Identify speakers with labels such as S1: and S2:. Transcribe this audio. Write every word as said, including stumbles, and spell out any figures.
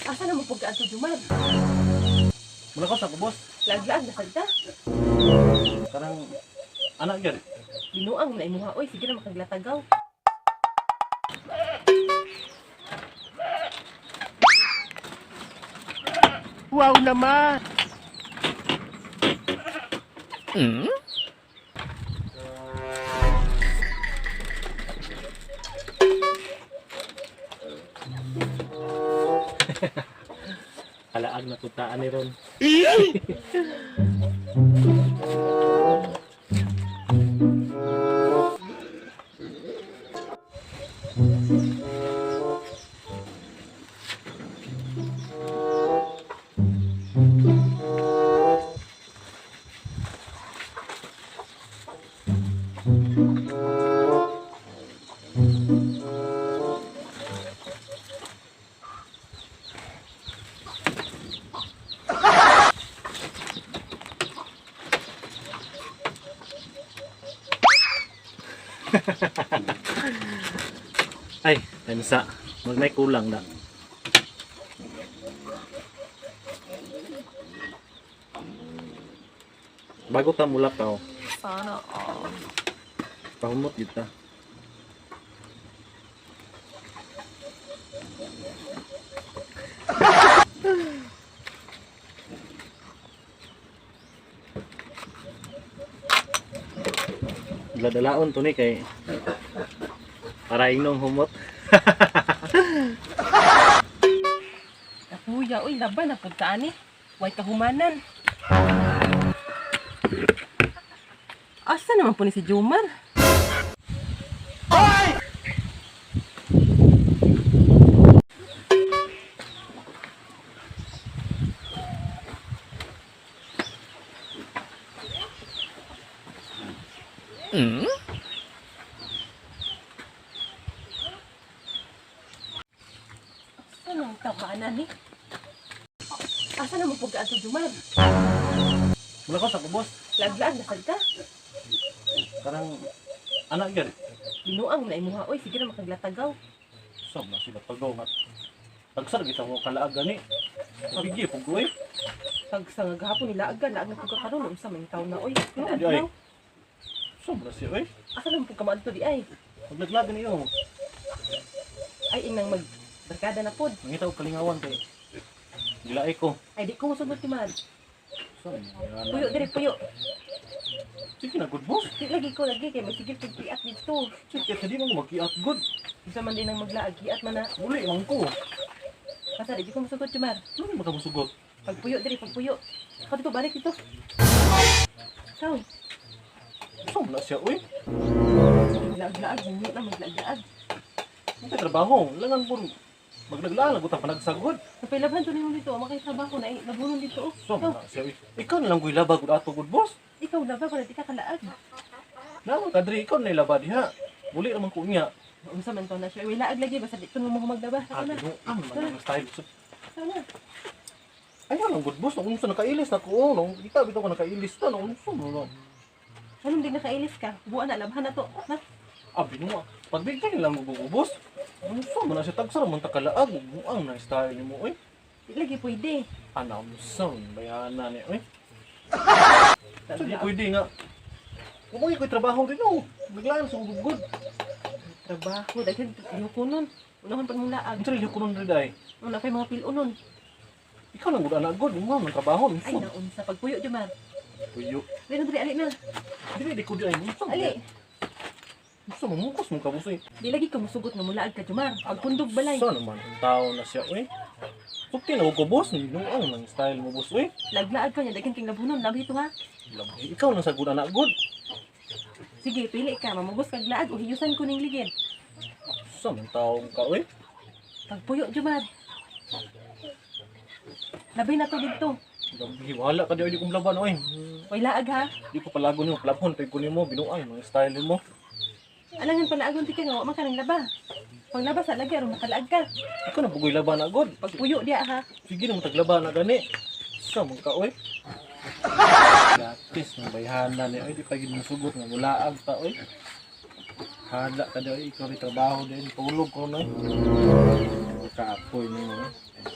S1: Asa na mo pagkaan to, Jumar?
S2: Mula ko sa kubos.
S1: Lag-lag na salita.
S2: Karang anak gyud.
S1: Binuang na imuha. Oy, sige na makaglatagaw.
S3: Wow naman!
S4: Hmm?
S2: Halaag na tutaan ni ron. Ay, kansa. Mag may kulang na. Bago ta mulap ka,
S1: Sana all.
S2: pahumot yun ta. Dala-dalaon to ni kay para inong humot.
S1: Kuya, uy, laban na pagkaan eh. Huwag kahumanan. Asa naman po ni si Jumar?
S4: Hmm?
S1: Asa naman kabanan eh? Asa naman pagkaan to, Jumar?
S2: Mula ko sa kubos.
S1: Lag-lag na salita.
S2: Karang anak gyud.
S1: Binuang na imuha. Oy, sige na makaglatagaw.
S2: Sam na sila pagaw nga. Tagsar kita mo kalaag gani. Bigye pug oy.
S1: Pag sa nga gahapon nila aga, laag na pagka karon unsa man taw na oy.
S2: Ano,
S1: Ano
S2: di ay?
S1: daw?
S2: Sam na siya oy.
S1: Asa naman pagka maadto di ay?
S2: Paglaglag niyo.
S1: Ay inang mag barkada na pod.
S2: Mangita og kalingawan kay gilaay ko.
S1: Ay di ko mosugot ti man.
S2: Sam.
S1: Puyo diri puyo.
S2: Sige na good boss.
S1: Di lagi ko lagi kay masigil kay kiat dito.
S2: Sige hindi mo magkiat good.
S1: Unsa man din ang maglaag kiat man na.
S2: Muli man ko.
S1: Asa di ko mosugot ti man.
S2: Ano mo kamusugot?
S1: Pagpuyo diri pagpuyo. Ako dito balik dito. Saw.
S2: Sam na siya oy.
S1: Maglaag-laag hindi na maglaag-laag.
S2: Ang trabaho, langan po maglaglaan lagot ang panagsagod.
S1: Napailaban to nimo dito, makay trabaho na nabunon dito.
S2: Sam
S1: Ikaw,
S2: na siya oy. Ikaw na lang ko'y laba gud ato good boss.
S1: ikaw laba para di ka kalaag.
S2: Naman kadri ikaw na ilaba diha. Muli naman ko niya.
S1: Unsa man to na siya. Wala ag lagi basta dito mo magdaba.
S2: Ah,
S1: Sana.
S2: no, ang mga style.
S1: Sana.
S2: Ayaw lang good boss, nung unsa nakailis na ko, nung kita bitaw ko nakailis ta, nung unsa mo no.
S1: Anong di nakailis ka? Buwan na labhan na to. Na?
S2: Abi no, pagbigay lang mo boss. Unsa mo na siya tagsara man ta kalaag, ang na style nimo oy.
S1: Di lagi pwede.
S2: Ana unsa bayana ni oy. So di pwede nga. Kumoy ko trabaho din no. Biglaan sa gugod.
S1: Trabaho. Dahil yung kunon. Unahan pag mong laag.
S2: Ang sarili ko nun rin ay.
S1: Una kay mga pilunon.
S2: Ikaw lang gud anak god, mo man trabaho
S1: Ay
S2: unsa.
S1: naunsa. Pagpuyo di man.
S2: Tuyo.
S1: Dili na dili. Ali na.
S2: Dili di ko di ay unsa.
S1: Ali.
S2: Unsa mo mukos mo kabusoy.
S1: Di lagi ka musugot nga mulaag ka, Jumar. Pagpundog balay.
S2: Sa naman ang tao na siya oy. Sukti na ko boss, ni nung ang nang style mo boss oy.
S1: Laglaag ka niya. Daghan king labunon. Labi ito ha.
S2: Labi, ikaw lang sa good anak good.
S1: Sige, pili ka. Mamugos kag laag o hiyusan ko ning ligid.
S2: Sa man tao ka oy.
S1: Pagpuyo, Jumar. Labi na to dito.
S2: Labi, wala ka di di kong laban oy.
S1: Way laag ha.
S2: Di ko palago nimo, plabhon pay ko nimo, binuang mga style mo.
S1: Alangan pala agon ti ka nga wa man ka nang laba. Pag laba sa lagi aron makalaag ka.
S2: Ikaw na bugoy laban na good.
S1: Pagpuyo diya ha.
S2: Sige na mo taglaba na gani. Sa man ka oy. Gratis ng bayhana ni oy, di pa gid mo sugot nga mulaag ta oy. Hala ka di oy, ikaw ri trabaho din, tulog ko na. Kaapoy nimo.